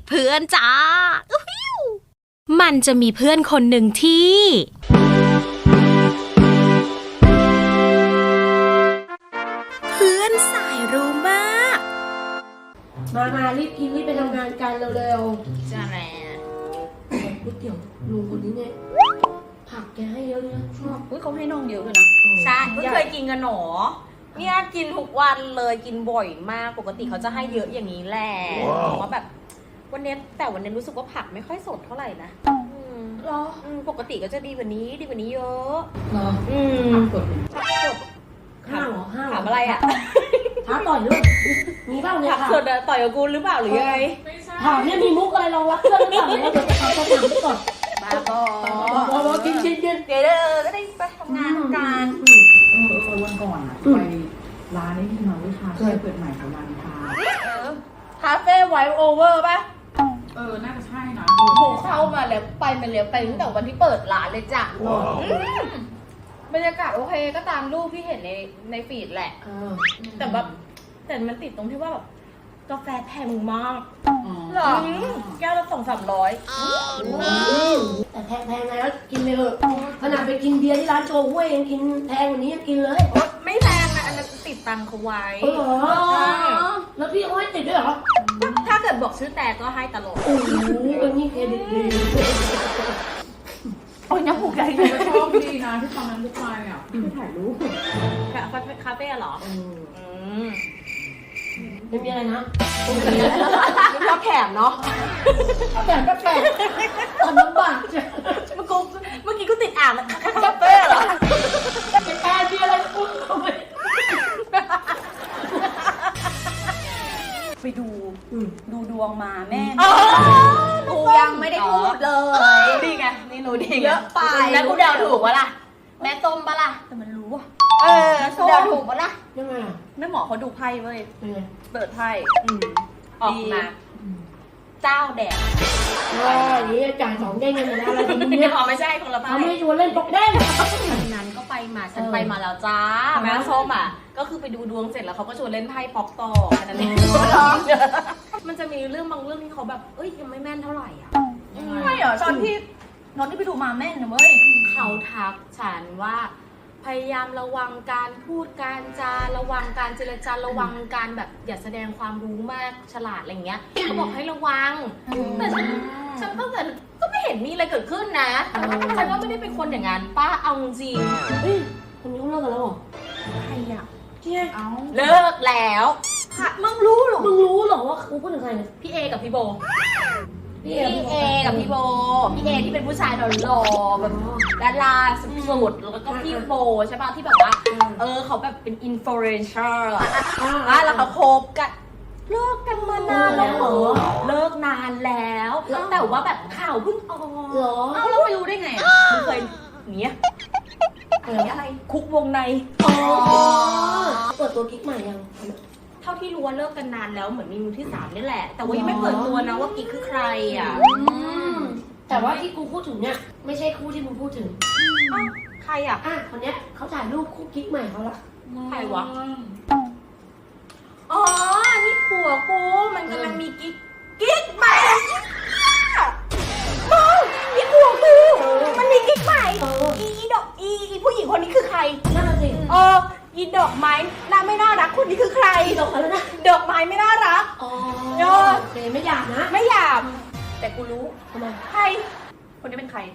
เพื่อนจ้ามันจะมีเพื่อนคนหนึ่งที่เพื่อนสายรู้มากมารีบกินรีบไปทำงานกันเร็วๆจ้าแม่ก๋วยเตี๋ยวลุงคนนี้เนี่ยผักแกให้เยอะเลยนะชอบเขาให้น้องเยอะด้วยนะใช่ไม่เคยกินกันหนอเนี่ยกินทุกวันเลยกินบ่อยมากปกติเขาจะให้เยอะอย่างนี้แหละเพราะว่าแบบวันนี้รู้สึกว่าผักไม่ค่อยสดเท่าไหร่นะหรอปกติก็จะดีกว่านี้เยอะหรอผักสดห้าวเหรอถามอะไรอ่ะท้าต่อยด้วยมีบ้างเนี่ยผักสดต่อยกับกูหรือเปล่าหรือยังไงถามเนี่ยมีมุกอะไรรองรับเพื่อนหรือเปล่าเนี่ยเราจะทำคำถามไปก่อนบ้าบอกินเดี๋ยวก็ได้ไปทำงานกันวันก่อนอะไปร้านนี้ที่มาวิชาเปิดใหม่ของร้านคาเฟ่ไวท์โอเวอร์ป่ะน่าจะใช่นะโหเข้ามาแล้วไปตั้งแต่วันที่เปิดร้านเลยจ้ะบรรยากาศโอเคก็ตามรูปที่เห็นในฟีดแหละแต่มันติดตรงที่ว่าแบบกาแฟแพงมากหรอแก้วละ200-300 แต่แพงไงแล้วกินเลยขนาดไปกินเบียร์ที่ร้านโชว์ห้วยยังกินแพงกว่านี้ยังกินเลยไม่แพงนะอันนั้นติดตังเขาไว้เหรอแล้วพี่เขาให้ติดด้วยเหรอถ้าเกิดบอกชื่อแต่ก็ให้ตลอดโอ้โหอันนี้เครดิตดีโอ้ยน้ำผูกใหญ่ชอบดีนะที่ตอนนั้นลูกชายอ่ะที่ถ่ายรูปคาเฟ่เหรอไม่มีอะไรนะไม่ชอบแถมเนาะแถมก็แถมตอนน้ำบากเมื่อกี้กูติดอ่างคาเฟ่เหรอแกมีอะไรพูดทำไมไปดูดวงมาแม่กูยังไม่ได้พูดเลยดีไงนี่หนูดีเยอะไปแล้วกูเดาถูกปะล่ะแม่ต้มปะล่ะแต่มันรู้อ่ะเดาถูกปะล่ะยังไงแม่หมอเขาดูไพ่เว้ยเปิดไพ่ออกมาเจ้าแดดนี่จ่าย2 เด้งกันแล้วอะไรกันเนี่ยไม่ใช่คนละไพ่เขาไม่ชวนเล่นตกเด้งนั้นก็ไปมาฉันไปมาแล้วจ้าแม่ส้มอ่ะก็คือไปดูดวงเสร็จแล้วเขาก็ชวนเล่นไพ่ป๊อกต่อแค่นั้นเองมันจะมีเรื่องบางเรื่องที่เขาแบบยังไม่แม่นเท่าไหร่อ่ะไม่เหรอตอนที่ไปดูมาแม่นนะเว้ยเขาทักฉันว่าพยายามระวังการพูดการจาระวังการเจรจาระวังการแบบอย่าแสดงความรู้มากฉลาดอะไรเงี้ยเขาบอกให้ระวังแต่ฉันตั้งแต่ก็ไม่เห็นมีอะไรเกิดขึ้นนะฉันก็ไม่ได้เป็นคนอย่างนั้นป้าเอาจริงคนนี้เขาเลิกกันแล้วเหรอใครอ่ะเอาเลิกแล้วมึงรู้หรอว่ากูพูดถึงใครเนี่ยพี่เอกับพี่โบพี่เอกับพี่โบพี่เอที่เป็นผู้ชายหล่อๆแบบดาราสุดๆแล้วก็พี่โบใช่ป่ะที่แบบว่าเขาแบบเป็นอินฟลูเอนเซอร์แล้วเขาคบกันเลิกกันมานานแล้วเหรอเลิกนานแล้วแต่ว่าแบบข่าวเพิ่งออกเหรอเราไม่รู้ได้ไงมึงเคยเนี้ยอะไรคุกวงในเปิดตัวกิ๊กใหม่ยังเท่าที่รู้ว่าเลิกกันนานแล้วเหมือนมีมือที่3นี่แหละแต่ว่ายังไม่เปิดตัวนะว่ากิ๊กคือใครอ่ะแต่ว่าที่กูพูดถึงเนี่ยไม่ใช่คู่ที่มึงพูดถึงใครอ่ะคนเนี้ยเขาถ่ายรูปคู่กิ๊กใหม่เขาละใครวะอ๋อนี่ผัวกูมันกำลังมีกิ๊กใหม่นี่ผัวกูมันมีกิ๊กใหม่อีผู้หญิงคนนี้คือใครนั่นแหละสิอีดอกไม้ไม่น่ารักคนนี้คือใครดอกอะไรนะดอกไม้ไม่น่ารักโอเคไม่หยาบนะไม่หยาบแต่กูรู้ทำไมใครคนนี้เป็นใคร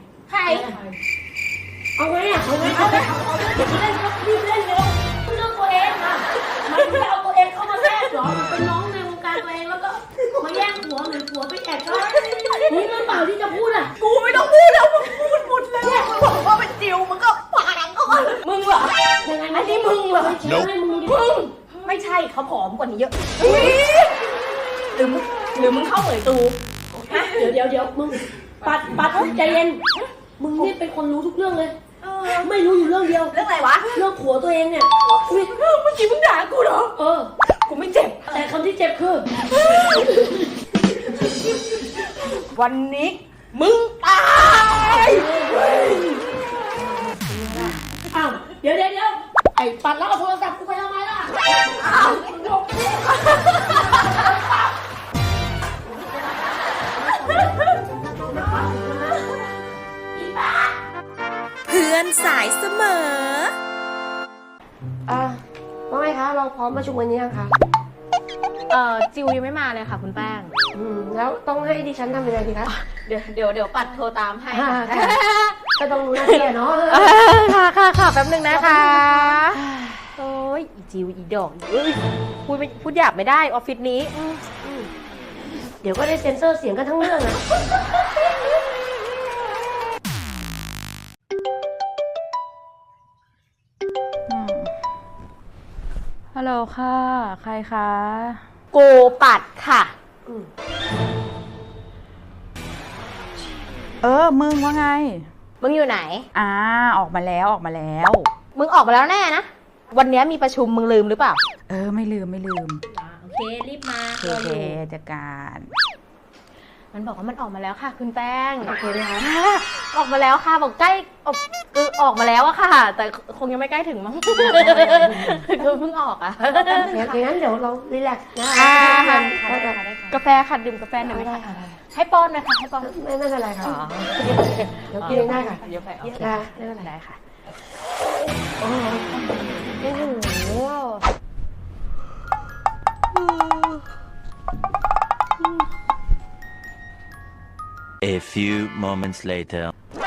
เอาไงเอาเล่นเร็วเรื่องตัวเองค่ะมันไม่เอาตัวเองเข้ามาแทรกหรอมันเป็นน้องในวงการตัวเองแล้วก็มาแย่งผัวหรือผัวไปแอบชอบนี่มันเปล่าที่จะพูดอ่ะกูไม่ต้องพูดแล้วมึงพูดหมดแล้วมึงบอกว่าเป็นจิวมึงก็ฝังก็มึงเหรออันนี้มึงเหรอมึงไม่ใช่เขาผอมกว่านี้เยอะหรือมึงเข้าเหมยตูเดี๋ยวมึงปัดใจเย็นมึงนี่เป็นคนรู้ทุกเรื่องเลยไม่รู้อยู่เรื่องเดียวเรื่องอะไรวะเรื่องผัวตัวเองเนี่ยเมื่อกี้มึงด่ากูเหรอกูไม่เจ็บแต่คำที่เจ็บคือวันนี้มึงตายอ้าวเดี๋ยวไอ้ปัดแล้วเอาโทรศัพท์กูไปทำไมล่ะสายเสมอว่าไงคะเราพร้อมประชุมวันนี้ยังคะจิวยังไม่มาเลยค่ะคุณแป้งแล้วต้องให้ดิฉันทำยังไงดีคะเดี๋ยวปัดโทรตามให้ก็ต้องรู้หน้าที่เนาะค่ะแป๊บนึงนะคะโอ้ยอีจิวอีดอกเอ้ยพูดหยาบไม่ได้ออฟฟิศนี้เดี๋ยวก็ได้เซ็นเซอร์เสียงกันทั้งเรื่องอะฮัลโหลค่ะ ใครคะโกปัดค่ะมึงว่าไงมึงอยู่ไหนออกมาแล้วออกมาแล้วมึงออกมาแล้วแน่นะ วันนี้มีประชุมมึงลืมหรือเปล่าไม่ลืมโอเครีบมาโอเคจัดการมันบอกว่ามันออกมาแล้วค่ะ คุณแป้งโอเคไหมคะออกมาแล้วค่ะบอกใกล้ออกมาแล้วอะค่ะ แต่คงยังไม่ใกล้ถึงมั้งคือเพิ่งออกอะอย่างนั้นเดี๋ยวเรารีแลกซ์นะกาแฟค่ะดื่มกาแฟหน่อยไหมคะให้ป้อนไหมคะให้ป้อนไม่เป็นไรค่ะเดี๋ยวกินเองได้ค่ะเดี๋ยวไปได้ไม่เป็นไรได้ค่ะโอ้โห A few moments later.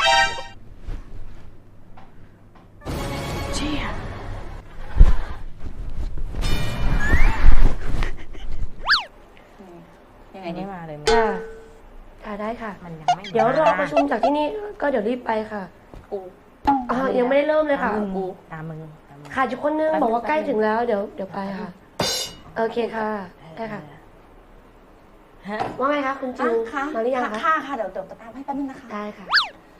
ยังไงไม่มาเลยค่ะได้ค่ะมันยังไม่เดี๋ยวรอประชุมจากที่นี่ก็เดี๋ยวรีบไปค่ะกูยังไม่ได้เริ่มเลยค่ะกูตามมึงขาดอยู่คนนึงบอกว่าใกล้ถึงแล้วเดี๋ยวไปค่ะ โอเคค่ะได้ค่ะว่าไงคะคุณจิวมาหรือยังคะค่ะเดี๋ยวตามให้แป๊บนึงนะคะได้ค่ะ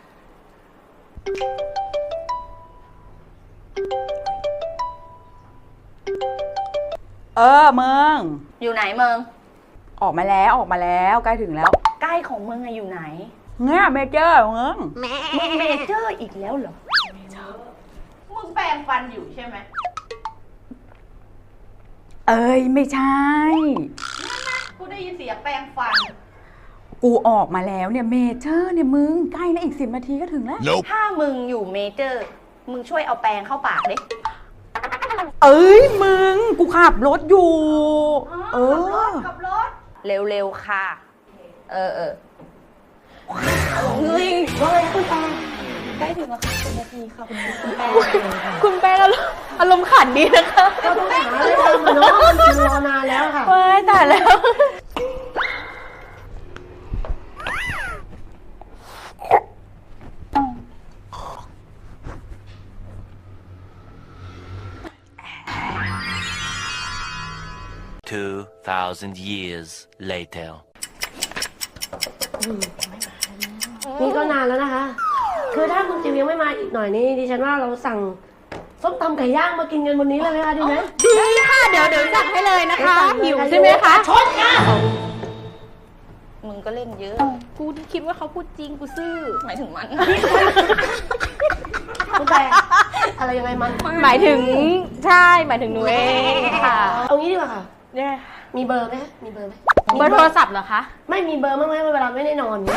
มึงอยู่ไหนมึงออกมาแล้วใกล้ถึงแล้วใกล้ของมึงอะอยู่ไหนเนี่ยเมเจอร์มึงมึงเมเจอร์อีกแล้วเหรอมึงแปรงฟันอยู่ใช่ไหมไม่ใช่กูได้ยินเสียงแปรงฟันกูออกมาแล้วเนี่ยเมเจอร์เนี่ยมึงใกล้แล้วอีก10 นาทีก็ถึงแล้วถ้ามึงอยู่เมเจอร์ มึงช่วยเอาแปรงเข้าปากดิมึงกูขับรถอยู่ขับรถเร็วๆค่ะเออว่าไงคุณตาใกล้ถึงแล้วค่ะ10 นาทีค่ะคุณแป้คุณแป้งอารมณ์ขันดีนะคะก็ต้องหาอะไรทำอะเนาะมันรอนานแล้วค่ะว้ายตายแล้ว 2,000 years later. นี่ก็นานแล้วนะคะ คือถ้าคุณจิวยังไม่มาอีกหน่อยนี่ดิฉันว่าเราสั่งส้มตำไก่ย่างมากินกันวันนี้เลยไหมคะดีไหมดีค่ะ เดี๋ยวสั่งให้เลยนะคะหิวใช่ไหมคะชดค่ะมึงก็เล่นเยอะกูคิดว่าเขาพูดจริงกูซื่อหมายถึงมันคุณแต่อะไรยังไงมันหมายถึงใช่หมายถึงหนูเองค่ะเอางี้ดีกว่าค่ะเนี่ยมีเบอร์ไหมมีเบอร์ไหมเบอร์โทรศัพท์เหรอคะไม่มีเบอร์บ้างไหมเวลาไม่ได้นอนเนี่ย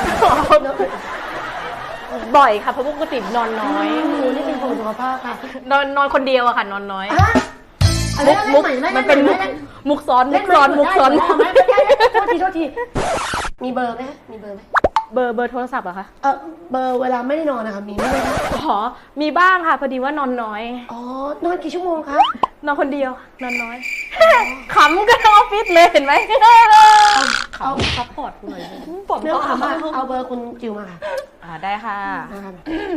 บ่อยค่ะเพราะปกตินอนน้อยหนูนี่เป็นคนสุขภาพค่ะนอนคนเดียวอะค่ะนอนน้อยมุกมันเป็นมุกซ้อนมุกซ้อนโทษทีมีเบอร์ไหมมีเบอร์ไหมเบอร์โทรศัพท์เหรอคะเบอร์เวลาไม่ได้นอนนะคะมีไหมอ๋อมีบ้างค่ะพอดีว่านอนน้อยอ๋อนอนกี่ชั่วโมงคะนอนคนเดียวนอนน้อยขำกันทั้งออฟฟิศเลยเห็นไหมเอาซัพพอร์ตกูหน่อยผมก็ถามว่าเอาเบอร์คุณจิวมาค่ะได้ค่ะนะคะ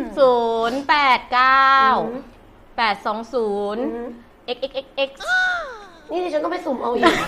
089 820 xxxx นี่ดิฉันต้องไปสุ่มเอาอีก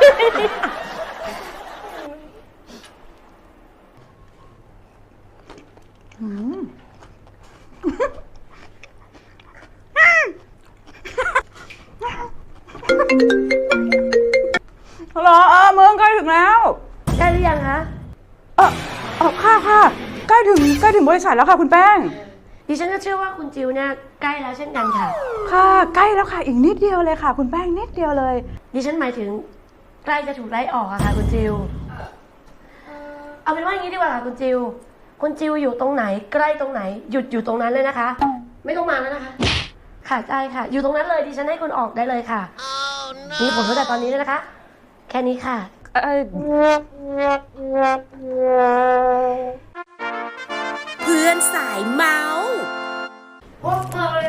ฮัลโหลมึงใกล้ถึงแล้วได้หรือยังคะค่ะใกล้ถึงบริษัทแล้วค่ะคุณแป้งดิฉันก็เชื่อว่าคุณจิวเนี่ยใกล้แล้วเช่นกันค่ะค่ะใกล้แล้วค่ะอีกนิดเดียวเลยค่ะ คุณแป้งนิดเดียวเลยดิฉันหมายถึงใกล้จะถูกไล่ออกอะค่ะคุณจิว เอาเป็นว่าอย่างนี้ดีกว่าค่ะคุณจิว คุณจิวอยู่ตรงไหนใกล้ตรงไหนหยุดอยู่ตรงนั้นเลยนะคะไม่ต้องมาแล้วนะคะ ค่ะได้ค่ะ อยู่ตรงนั้นเลยดิฉันให้คุณออกได้เลยค่ะมีผลตั้งแต่ตอนนี้เลยนะคะ แค่นี้ค่ะเพื่อนสายเมาส์โอ้ย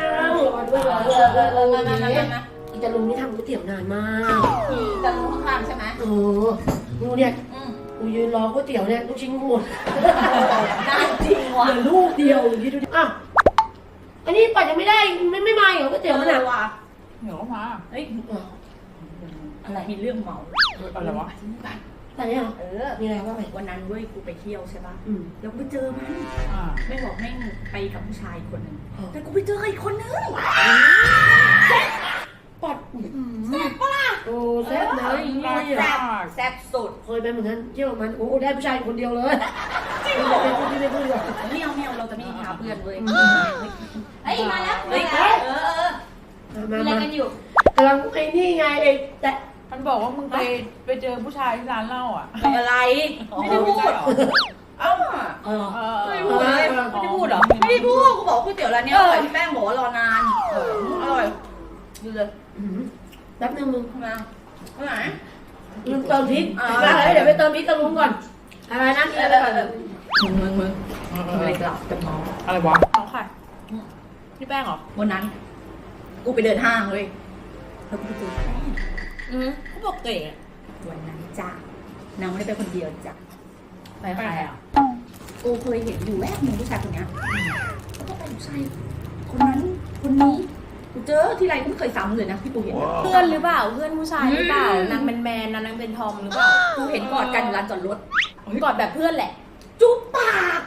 อีตาลุงนี่ทำก๋วยเตี๋ยวนานมากจะรู้ข้างๆใช่ไหมดูเนี่ยกูยืนรอก๋วยเตี๋ยวเนี่ยลูกชิ้นกูหมดน่าจริงว่ะเหลือลูกเดียวคิดดูดิอ้าวอันนี้ปัดยังไม่ได้ไม่มาเหรอก๋วยเตี๋ยวมันอ่ะว่ะเดี๋ยวมาเฮ้ยอะไรมีเรื่องเมาอะไรวะแต่เนี่ย มีอะไรบ้างไหมวันนั้นเว้ยกูไปเที่ยวใช่ป่ะอืมแล้วกูไปเจอมันอ่าไม่บอกแม่งไปกับผู้ชายคนหนึ่งแต่กูไปเจออีกคนนึงปัดแซ่บปะล่ะโอ้แซ่บนะอีนี่แซ่บแซ่บสุดเคยไปเหมือนกันเที่ยวกับมันโอ้ได้ผู้ชายคนเดียวเลยจริงเหรอไม่พูดดีกว่าไม่เอาเราจะไม่ท้าเพื่อนเว้ยเฮ้ยมาแล้วเฮ้ยมาอะไรกันอยู่กำลังไอ้นี่ไงไอ้แต่มันบอกว่ามึงไปเจอผู้ชายที่ร้านเหล้าอ่ะอะไรไม่ได้พูดเอ้า ไม่ได้พูดเลยไม่ได้พูดเหรอ ไม่ได้พูด กูบอกก๋วยเตี๋ยวร้านนี้อร่อยพี่แป้งบอกว่ารอนานอร่อยดูเลยแป๊บนึงมึงทำไมไหนลืมเติมพริกอะไรเดี๋ยวไปเติมพริกกับลุงก่อนอะไรนะอะไรก่อนมึงอะไรกลับจะเมาอะไรวะเอาค่ะพี่แป้งเหรอวันนั้น กูไปเดินห้างเลยแล้วกูไปเจอแป้งเขาบอกเก๋วันนั้นจ้ะนางไม่ได้ไปคนเดียวจ้ะไปใครอ่ะกูเคยเห็นอยู่แวบหนึ่งผู้ชายคนนี้แล้วก็ไปผู้ชายคนนั้นคนนี้กูเจอที่ไรกูไม่เคยซ้ำเลยนะที่กูเห็นเพื่อนหรือเปล่า เพื่อนผู้ชายหรือเปล่านางเป็นแมนนางเป็นทอมหรือเปล่ากูเห็นกอดกันอยู่ร้านจอดรถกอดแบบเพื่อนแหละจุ๊บปาก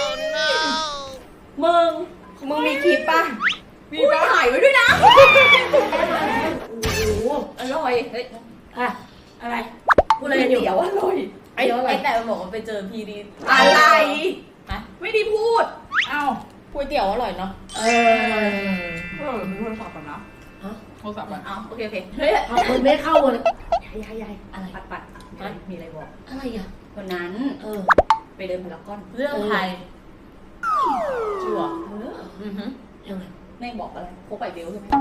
มึงมีคลิปป่ะมีถ่ายไว้ด้วยนะโอ้โหอร่อยเฮ้ยอะอะไรกูเลยเดี๋ยวอร่อยไอ้แต่มันบอกว่าไปเจอพีดีอะไรไม่ได้พูดเอ้าก๋วยเตี๋ยวอร่อยเนาะมีโทรศัพท์ก่อนนะโทรศัพท์อ่ะเอาโอเคเฮ้ยเอาคนไม่เข้าเลยยายอะไรปัดมีอะไรบอกอะไรอ่ะวันนั้นไปเดินพารากอนเรื่องใครชัวร์ยังไงแม่บอกอะไรพกไปเบลใช่ไหม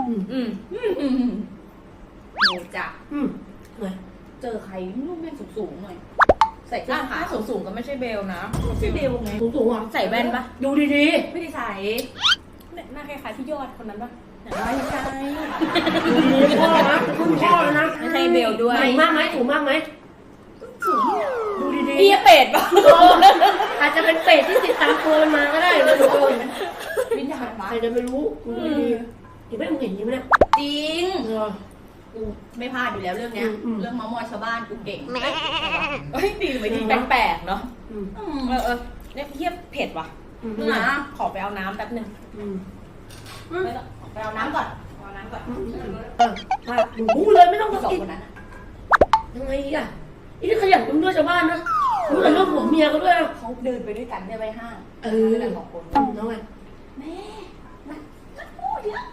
โนจ่ะไงเจอใครรูปแม่งสูงหน่อยใส่เสื้ถ้าอขาขาวสูงๆก็ไม่ใช่เบลนะชื่อเบลไงสูงอ่ะใส่แว่นปะดูดีไม่ได้ใส่หน้าคล้ายๆพี่ยอดคนนั้นปะไม่ใช่ๆดูดีๆพ่อนะคุณพ่อนะไม่ใช่เบลด้วยสูงมากไหมสูงมากไหมดูดีพี่เป็ดปะๆอาจจะเป็นเป็ดที่ติดตามตัวมันมาก็ได้ไม่รู้วิญญาณมาใครจะไม่รู้ดูดีๆยังไม่มึงเห็นยังไหมเนี่ยจริงกูไม่พลาดอยู่แล้วเรื่องเนี้ย เรื่องเมามอยชาวบ้านกูเก่งเฮ้ยดีหรือไม่ดีแปลกๆเนาะเออเนี่ยเทียบเผ็ดว่ะนะขอไปเอาน้ำแป๊บนึงไปเอาน้ำก่อนเอาน้ำก่อนดูเลยไม่ต้องสองกินคนนั้นยังไงอ่ะนี่ขยันมึงด้วยชาวบ้านนะรู้แต่เรื่องผัวเมียเขาด้วยนะเขาเดินไปด้วยกันเนี่ยไปห้างด้วยกักัน นสองคนน้องไงแม่มันพูดเยอะ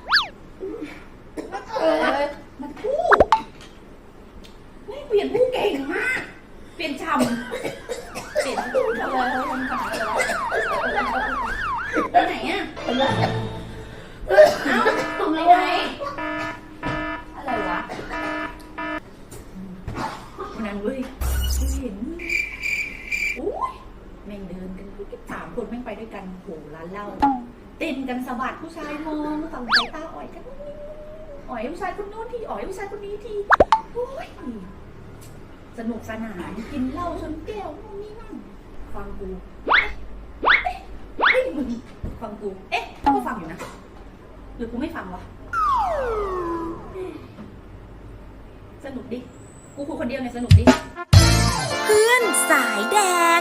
มันพูดนี่เปลี่ยนผู้เก่งมาก เปลี่ยนชำเปลี่ยนผู้อะไรไปไหนอ่ะเอ้าทำอะไรอะไรวะวันนั้นเว้ยกูเห็นอุ้ยแม่งเดินกัน3 คนแม่งไปด้วยกันโหร้านเหล้าเต้นกันสะบัดผู้ชายมองต่างสายตาอ่อยกันอ่อยผู้ชายคนโน้นทีอ่อยผู้ชายคนนี้ทีโอ้ยสนุกสนานกินเหล้าชนแก้วนู่นนี่นั่นฟังกูเฮ้ยมึงฟังกูก็ฟังอยู่นะหรือกูไม่ฟังวะสนุกดิกูคุยคนเดียวเนี่ยสนุกดิเพื่อนสายแดก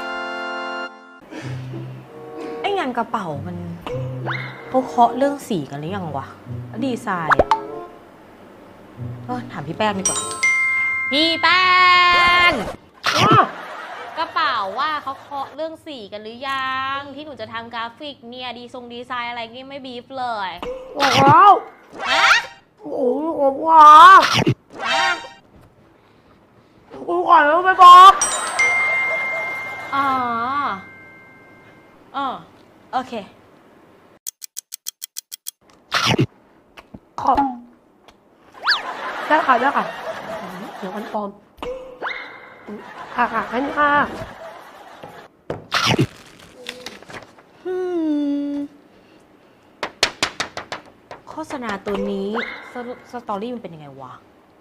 ไอ้งานกระเป๋ามันเขาเคาะเรื่องสีกันหรือยังวะแล้วดีไซน์อ่ะถามพี่แป้งดีกว่า พี่แป้งกระเป๋าว่าเขาเคาะเรื่องสีกันหรือยังที่หนูจะทำกราฟิกเนี่ยดีไซน์อะไรนี่ไม่บีฟเลยบอกแล้วฮะโอ้โหผมว่าฮะกูก่อนแล้วไม่บอกอ๋อโอเคได้ค่ะได้ค่ะเดี๋ยวมันปลอมค่ะแค่นี้ค่ะโฆษณาตัวนี้สตอรี่มันเป็นยังไงวะ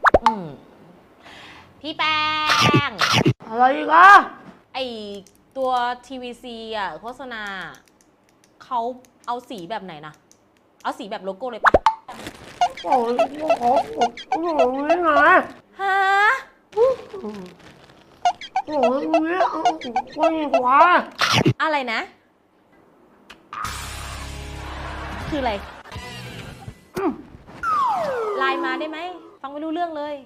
พี่แป้งอะไรอีกอ่ะไอตัว TVC อ่ะโฆษณาเขาเอาสีแบบไหนนะเอาสีแบบโลโก้เลยปะโอ้ยโอ้โหนี่ไงฮะโอ้ยนี่เอาคนอีกวะอะไรนะ คืออะไรไลน์มาได้ไหมฟังไม่รู้เรื่องเลย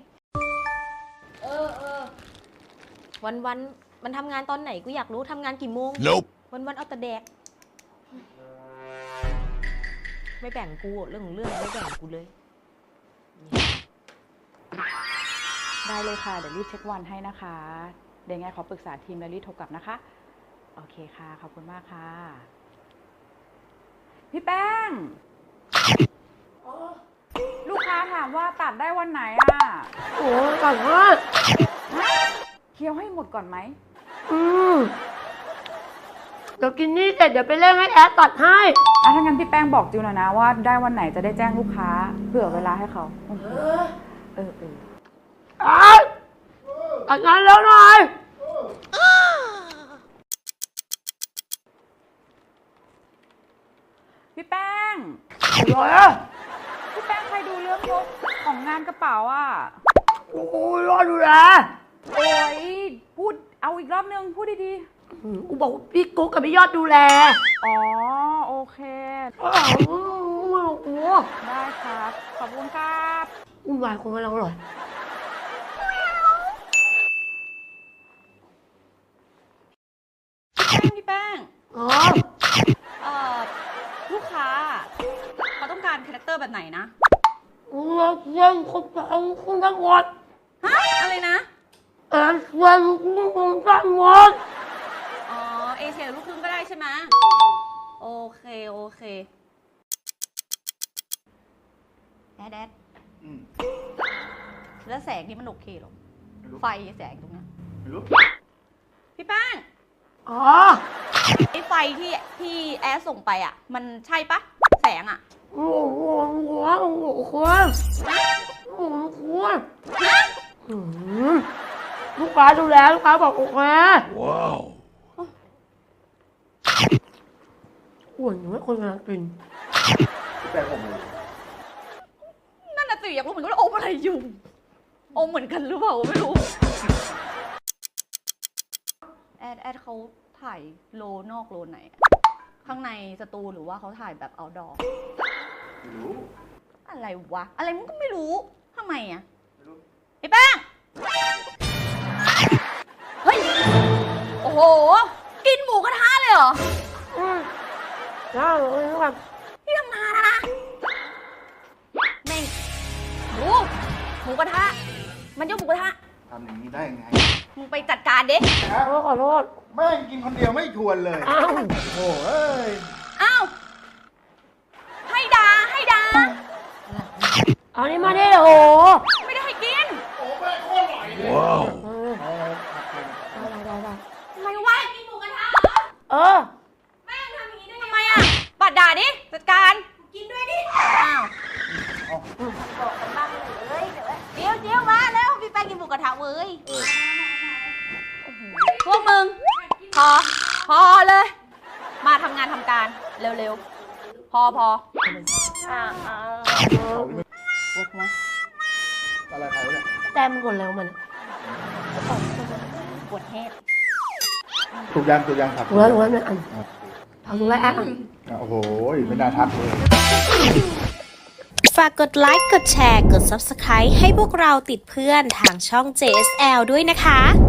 วันมันทำงานตอนไหนกูอยากรู้ทำงานกี่โมง Nope วันเอาแต่แดกไม่แบ่งกูเรื่องของเรื่องไม่แบ่งกูเลยได้เลยค่ะ เดี๋ยวรีบเช็ควันให้นะคะ เดี๋ยวไงขอปรึกษาทีมแล้วรีบโทรกลับนะคะ โอเคค่ะ ขอบคุณมากค่ะ พี่แป้ง ลูกค้าถามว่าตัดได้วันไหนอ่ะโอ้ยก่อนว่าเคี้ยวให้หมดก่อนไหมเดี๋ยวกินนี่เสร็จเดี๋ยวไปเร่งให้แอดตัดให้ถ้างั้นพี่แป้งบอกจิวหน่อยนะว่าได้วันไหนจะได้แจ้งลูกค้าเผื่อเวลาให้เขาเออตัดงานแล้วหน่อยพี่แป้งอะไรอ่ะพี่แป้งใครดูเรื่องงบของงานกระเป๋าอ่ะโอ้ยรอดูแลโอ้ยพูดเอาอีกรอบนึงพูดดีกูบอกพี่กุ๊กกับพี่ยอดดูแลๆอ๋อโอเคโอ้โหได้ครับขอบคุณครับวุ่นวายคนกำลังอร่อยพี่แป้งอ๋อลูกค้าเขาต้องการคาแรคเตอร์แบบไหนนะเรื่องคนฟังคุณทั้งหมดฮะอะไรนะเรื่องคุณทั้งหมดอ๋อเอเชียลูกครึ่งก็ได้ใช่ไหมโอเคแดดแล้วแสงนี่มันโอเคหรอไฟแสงตรงเนี้ยพี่แป้งอ๋อไอไฟที่แอร์ส่งไปอ่ะ มันใช่ปะแสงอ่ะโอ้โหคนลูกค้าดูแลลูกค้าบอกโอเค Wow อ้วนอยู่ไม่คนกำลังกินนั่นน่ะสิอยากรู้เหมือนกันว่าอมอะไรอยู่อมเหมือนกันหรือเปล่าไม่รู้แอดเขาถ่ายโลนอกโลไหนอะข้างในสตูหรือว่าเขาถ่ายแบบเอาดอไม่รู้อะไรวะอะไรมันก็ไม่รู้ทำไมอ่ะไอ้แป้งเฮ้ยโอ้โหกินหมูกระทะเลยเหรอได้เลยครับที่ทำงานนะแม่งหมูกระทะมันยกหมูกระทะทำอย่างนี้ได้ยังไงมึงไปจัดการเด็ขอโทษแม่งกินคนเดียวไม่ชวนเลยอ้าวโอ้เอ้ยอ้าวให้ดาเอานี่มาดิโอ้ไม่ได้ให้กิน Wow ได้ทำไมวะกินหมูกระทะเออแม่งทำอย่างนี้ได้ทำไมอ่ะปัดด่าดิจัดการกินด้วยดิอ้าวบอกกันบ้างเลยเดี๋ยวมาแล้วพี่แป้งกินหมูกระทะเว้ยพวกมึงพอเลย มาทำงานทำการเร็วๆพอปวดหัวอะไรเขาเนี่ยแต่มันกดแล้วมันปวดเฮดถูกยังครับถูกแล้วเนี่ยอันเอาถูกแล้วอันโอ้โหไม่น่าทักเลยฝากกดไลค์ กดแชร์ กด Subscribe ให้พวกเราติดเพื่อนทางช่อง JSL ด้วยนะคะ